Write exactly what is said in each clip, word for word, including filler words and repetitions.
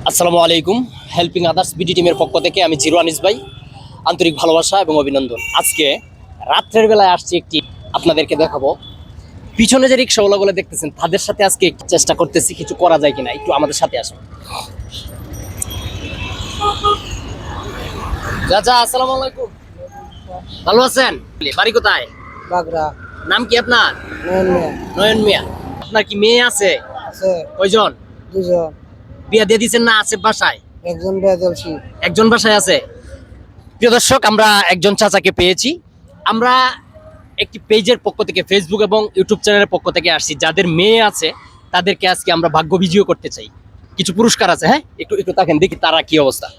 আসসালামু আলাইকুম। Helping others BD টিমের পক্ষ থেকে আমি জিরো আনিস ভাই, আন্তরিক ভালোবাসা এবং অভিনন্দন। আজকে রাত্রের বেলায় আসছি, একটি আপনাদেরকে দেখাবো। পিছনে যে রিক্সাওয়ালাগুলো দেখতেছেন তাদের সাথে আজকে চেষ্টা করতেছি কিছু করা যায় কিনা, একটু আমাদের সাথে আসুন। চাচা আসসালামু আলাইকুম, ভালো আছেন? বাড়ি কোথায়? বাগড়া। নাম কি আপনার? নয়ন মিয়া। নয়ন মিয়া। আপনার কি মেয়ে আছে? আছে কয়জন? দুজন। বিয়া দিয়ে দিচ্ছেন না আছে বাসায়? একজন বিয়া দিয়েছি। একজন বাসায় আছে। প্রিয় দর্শক, আমরা একজন চাচাকে পেয়েছি। আমরা একটি পেজের পক্ষ থেকে, ফেসবুক এবং ইউটিউব চ্যানেলের পক্ষ থেকে আসছি। যাদের মেয়ে আছে তাদেরকে আজকে আমরা ভাগ্য বিজয় করতে চাই। কিছু পুরস্কার আছে, হ্যাঁ একটু একটু দেখেন, দেখি তারা কি অবস্থা।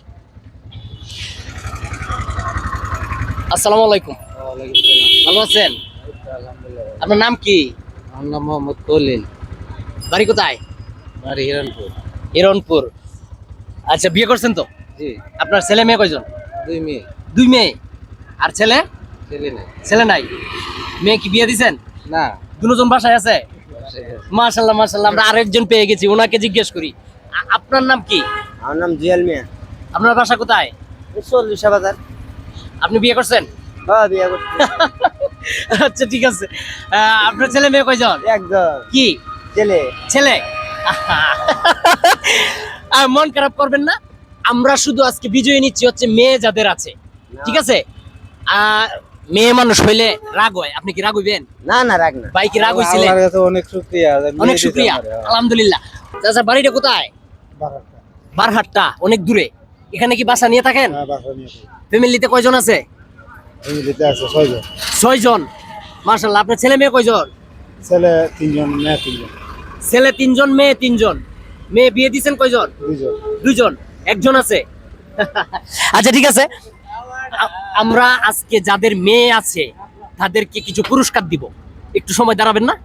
আসসালামু আলাইকুম, ভালো আছেন? আপনার নাম কি? আমার নাম মোহাম্মদ কলিল। বাড়ি কোথায়? বাড়ি হিরণপুর। হিরণপুর। আচ্ছা, বিয়ে করছেন তো? জি। আপনার ছেলে মেয়ে কয়জন? দুই মেয়ে। দুই মেয়ে। আর ছেলে? ছেলে নেই। ছেলে নাই। মেয়ে কি বিয়ে দিছেন? না। দুজন বাসায় আছে। মাশাআল্লাহ মাশাআল্লাহ। আমরা আরেকজন পেয়ে গেছি, ওনাকে জিজ্ঞেস করি। আ- আপনার নাম কি? আমার নাম জিয়াল মিয়া। আপনার বাসা কোথায়? চল্লিশ বাজার। আপনি বিয়ে করছেন? হ্যাঁ, বিয়া করছি। আচ্ছা ঠিক আছে। আহ, আপনার ছেলে মেয়ে কয়জন? একজন। কি ছেলে। ছেলে? আর মন খারাপ করবেন না, আমরা শুধু আজকে বিজয় নিচ্ছি হচ্ছে মেয়ে যাদের আছে, ঠিক আছে? আর মেয়ে মানুষ হইলে রাগ হয়, আপনি কি রাগ হইবেন? না না, রাখ না। ভাই কি রাগ হইছিলেন? আল্লাহর কাছে অনেক শুকরিয়া। অনেক শুকরিয়া, আলহামদুলিল্লাহ। চাচা বাড়িটা কোথায়? বারহাট্টা, অনেক দূরে। এখানে কি বাসা নিয়ে থাকেন? ফ্যামিলিতে কয়জন আছে? ফ্যামিলিতে আছে ছয়জন। ছয় জন। মাশাআল্লাহ। আপনার ছেলে মেয়ে কয়জন? ছেলে তিনজন, মেয়ে তিনজন। ছেলে তিনজন, মেয়ে তিনজন। মেয়ে বিয়ে দিচ্ছেন কয়জন? দুইজন। দুইজন। একজন আছে। আচ্ছা ঠিক আছে, আ- আমরা আজকে যাদের মেয়ে আছে তাদেরকে কিছু পুরস্কার দিব। একটু সময় দাঁড়াবেন না?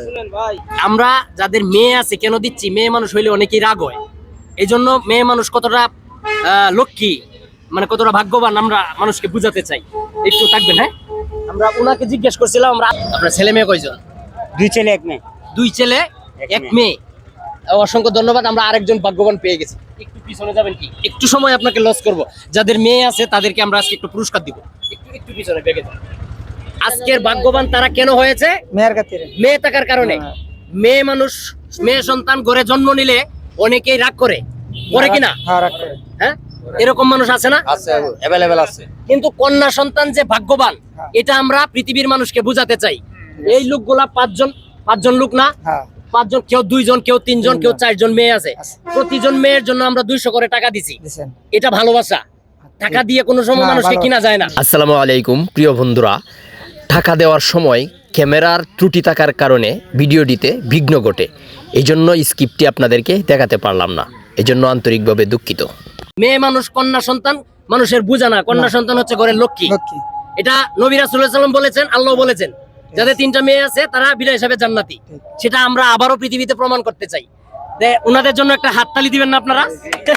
আমরা যাদের মেয়ে আছে কেন দিচ্ছি, মেয়ে মানুষ হইলে অনেকেই রাগ হয়। এই জন্য মেয়ে মানুষ কতটা আহ, লক্ষ্মী, মানে কতটা ভাগ্যবান আমরা মানুষকে বুঝাতে চাই। একটু থাকবেন, হ্যাঁ? আমরা ওনাকে জিজ্ঞেস করছিলাম, আমরা আপনার ছেলে মেয়ে কয়জন? দুই ছেলে এক মেয়ে। দুই ছেলে এক মেয়ে। অসংখ্য ধন্যবাদ, আমরা আরেকজন ভাগ্যবান পেয়ে গেছি। একটু পিছনে যাবেন কি? একটু সময় আপনাকে লস করব। যাদের মেয়ে আছে তাদেরকে আমরা আজকে একটু পুরস্কার দিব। একটু একটু পিছনে বেগে যান। আজকের ভাগ্যবান তারা কেন হয়েছে? মেয়ের খাতিরে। মেয়ে থাকার কারণে। মেয়ে মানুষ, মেয়ে সন্তান ঘরে জন্ম নিলে অনেকেই রাগ করে, করে কিনা? হ্যাঁ, রাখ করে। হ্যাঁ, এরকম মানুষ আছে না? আছে, अवेलेबल আছে। কিন্তু কন্যা সন্তান যে ভাগ্যবান, এটা আমরা পৃথিবীর মানুষকে বুঝাতে চাই। এই লোকগুলা পাঁচজন, পাঁচজন লোক না, হ্যাঁ। পাঁচজন, কেউ দুইজন, কেউ তিনজন, কেউ চারজন মেয়ে আছে। প্রতিজন মেয়ের জন্য আমরা দুইশো করে টাকা দিছি। দিছেন। এটা ভালোবাসা। টাকা দিয়ে কোনো সময় না, মানুষকে ভালো। কিনা যায় না। আসসালামু আলাইকুম প্রিয় বন্ধুরা। টাকা দেওয়ার সময় ক্যামেরার ত্রুটি থাকার কারণে ভিডিওটিতে বিঘ্ন ঘটে, এই জন্য স্ক্রিপ্টটি আপনাদেরকে দেখাতে পারলাম না, এই জন্য আন্তরিকভাবে দুঃখিত। মেয়ে মানুষ, কন্যা সন্তান মানুষের বুঝা না। কন্যা সন্তান হচ্ছে ঘরের লক্ষ্মী। লক্ষ্মী। এটা নবী রাসূলুল্লাহ সাল্লাল্লাহু আলাইহি ওয়াসাল্লাম বলেছেন, আল্লাহ বলেছেন। যাদের তিনটা মেয়ে আছে তারা বিনা হিসাবে জান্নাতি। সেটা আমরা আবারও পৃথিবীতে প্রমাণ করতে চাই। ওনাদের জন্য একটা হাততালি দিবেন না আপনারা?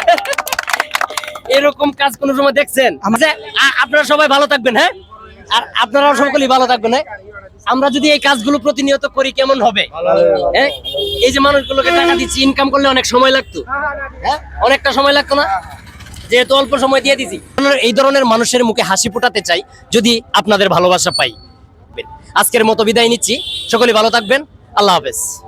এরকম কাজ কোন সময় দেখছেন? আচ্ছা, আ- আপনারা সবাই ভালো থাকবেন, হ্যাঁ? আর আপনারাও সকলেই ভালো থাকবেন, হ্যাঁ? আমরা যদি এই কাজগুলো প্রতিনিয়ত করি কেমন হবে? হ্যাঁ, এই যে মানুষগুলোকে টাকা দিচ্ছি, ইনকাম করলে অনেক সময় লাগতো, হ্যাঁ, অনেকটা সময় লাগতো না, যেহেতু অল্প সময় দিয়ে দিছি। এই ধরনের মানুষের মুখে হাসি ফোটাতে চাই, যদি আপনাদের ভালোবাসা পাই। আজকের মতো বিদায় নিচ্ছি, সকলেই ভালো থাকবেন। আল্লাহ হাফেজ।